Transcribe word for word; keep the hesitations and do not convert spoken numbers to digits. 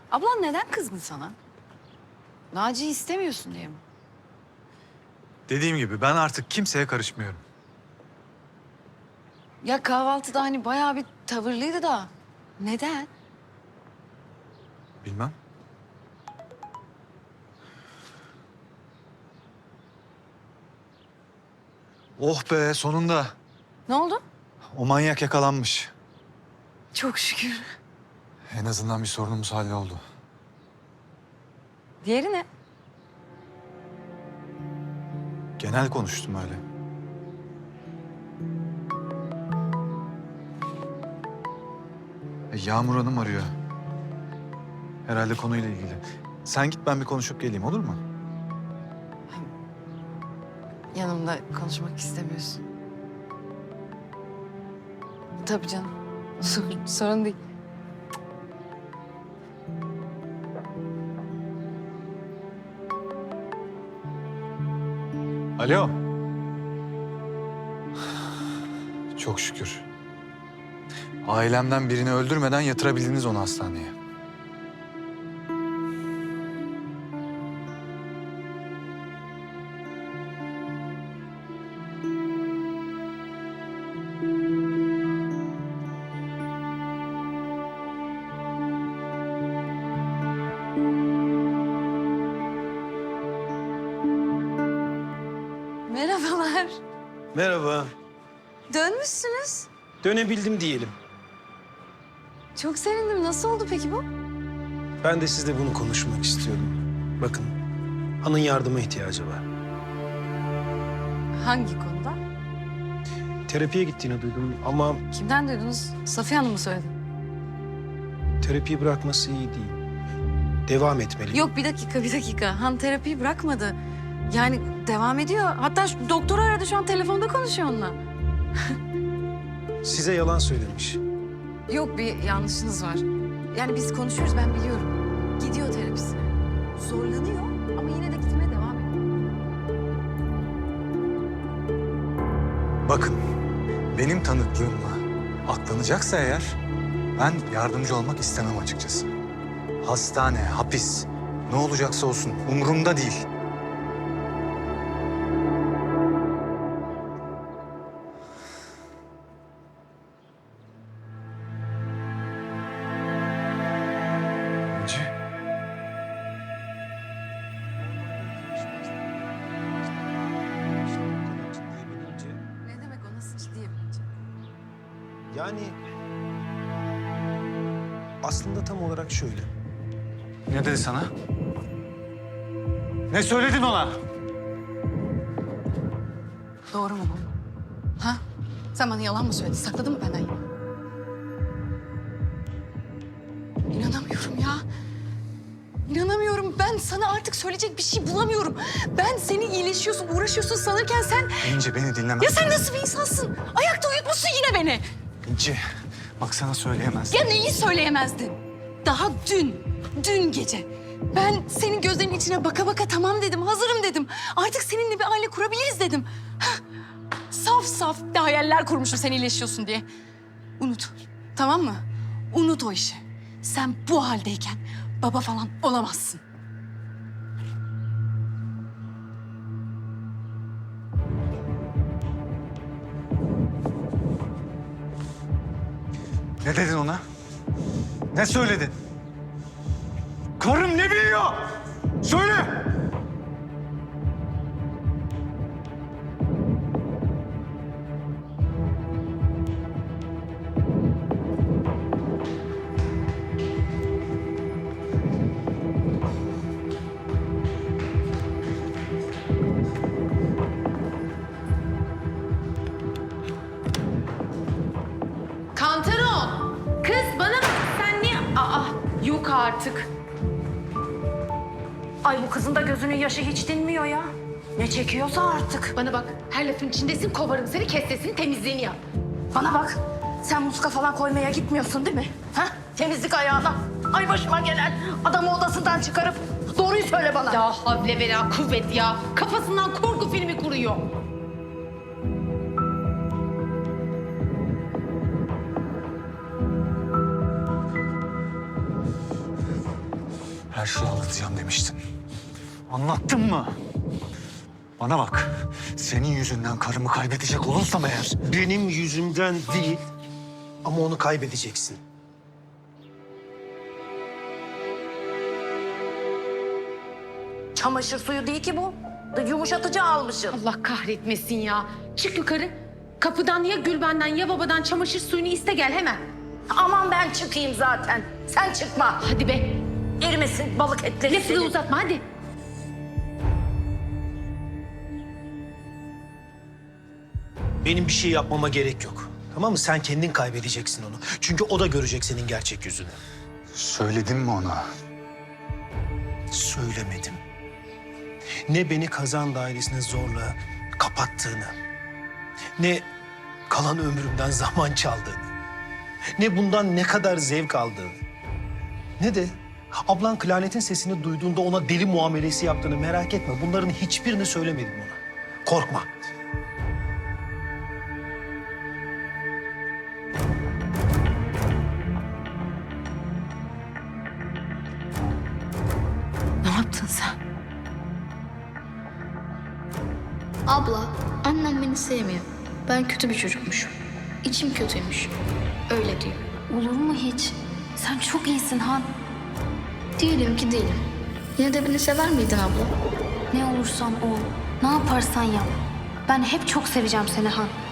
Ablan neden kızgın sana? Naci'yi istemiyorsun diye mi? Dediğim gibi ben artık kimseye karışmıyorum. Ya kahvaltıda hani bayağı bir tavırlıydı da. Neden? Bilmem. Oh be sonunda. Ne oldu? O manyak yakalanmış. Çok şükür. En azından bir sorunumuz halloldu. Diğeri ne? Genel konuştum öyle. E, Yağmur Hanım arıyor. Herhalde konuyla ilgili. Sen git ben bir konuşup geleyim olur mu? Yanımda konuşmak istemiyorsun. Tabii canım. Sorun, sorun değil. Alo. Çok şükür. Ailemden birini öldürmeden yatırabildiniz onu hastaneye. Merhabalar. Merhaba. Dönmüşsünüz. Dönebildim diyelim. Çok sevindim. Nasıl oldu peki bu? Ben de sizle bunu konuşmak istiyorum. Bakın, Han'ın yardıma ihtiyacı var. Hangi konuda? Terapiye gittiğini duydum ama Kimden duydunuz? Safiye Hanım mı söyledi? terapiyi bırakması iyi değil. Devam etmeli. Yok bir dakika bir dakika. Han terapiyi bırakmadı. Yani devam ediyor. Hatta şu doktoru aradı şu an telefonda konuşuyor onunla. Size yalan söylemiş. Yok bir yanlışınız var. Yani biz konuşuyoruz ben biliyorum. Gidiyor terapisine. Zorlanıyor ama yine de gitmeye devam ediyor. Bakın benim tanıklığımla aklanacaksa eğer ben yardımcı olmak istemem açıkçası. Hastane, hapis ne olacaksa olsun umurumda değil. İnci. Ne demek o nasıl ciddiye bilince? Yani aslında tam olarak şöyle. Ne dedi sana? Ne söyledin ona? Doğru mu bu? Ha? Sen bana yalan mı söyledin? Sakladın mı benden yine? İnanamıyorum ya. İnanamıyorum. Ben sana artık söyleyecek bir şey bulamıyorum. Ben seni iyileşiyorsun, uğraşıyorsun sanırken sen... İnci beni dinlemez. Ya sen nasıl bir insansın? Ayakta uyutmuşsun yine beni. İnci bak sana söyleyemez. Ya neyi söyleyemezdin? Daha dün, dün gece. Ben senin gözlerinin içine baka baka tamam dedim, hazırım dedim. Artık seninle bir aile kurabiliriz dedim. Hah, saf saf bir hayaller kurmuşum sen iyileşiyorsun diye. Unut, tamam mı? Unut o işi. Sen bu haldeyken baba falan olamazsın. Ne dedin ona? Ne söyledin? Karım ne biliyor? Söyle! Kantaron! Kız bana bak sen niye... Aa yok artık. Ay bu kızın da gözünün yaşı hiç dinmiyor ya. Ne çekiyorsa artık. Bana bak her lafın içindesin kovarım seni kes sesini temizliğini yap. Bana bak sen muska falan koymaya gitmiyorsun değil mi? Ha? Temizlik ayağına. Ay başıma gelen adamı odasından çıkarıp doğruyu söyle bana. Ya havle ve la kuvvet ya. Kafasından korku filmi kuruyor. Her şeyi anlatacağım demiştin. Anlattın mı? Bana bak. Senin yüzünden karımı kaybedecek olursam eğer... Benim yüzümden değil ama onu kaybedeceksin. Çamaşır suyu değil ki bu. Yumuşatıcı almışsın. Allah kahretmesin ya. Çık yukarı. Kapıdan ya Gülben'den ya babadan çamaşır suyunu iste gel hemen. Aman ben çıkayım zaten. Sen çıkma. Hadi be. Erimesin balık etleri Lafı da senin. uzatma hadi. Benim bir şey yapmama gerek yok. Tamam mı? Sen kendin kaybedeceksin onu. Çünkü o da görecek senin gerçek yüzünü. Söyledin mi ona? Söylemedim. Ne beni kazan dairesine zorla kapattığını, ne kalan ömrümden zaman çaldığını, ne bundan ne kadar zevk aldığını, ne de ablan klarnetin sesini duyduğunda ona deli muamelesi yaptığını merak etme. Bunların hiçbirini söylemedim ona. Korkma. Ne yaptın sen? Abla, annem beni sevmiyor. Ben kötü bir çocukmuşum. İçim kötüymüş. Öyle diyor. Olur mu hiç? Sen çok iyisin Han. Diyelim ki değilim. Yine de beni sever miydin abla? Ne olursan ol, ne yaparsan yap. Ben hep çok seveceğim seni Han.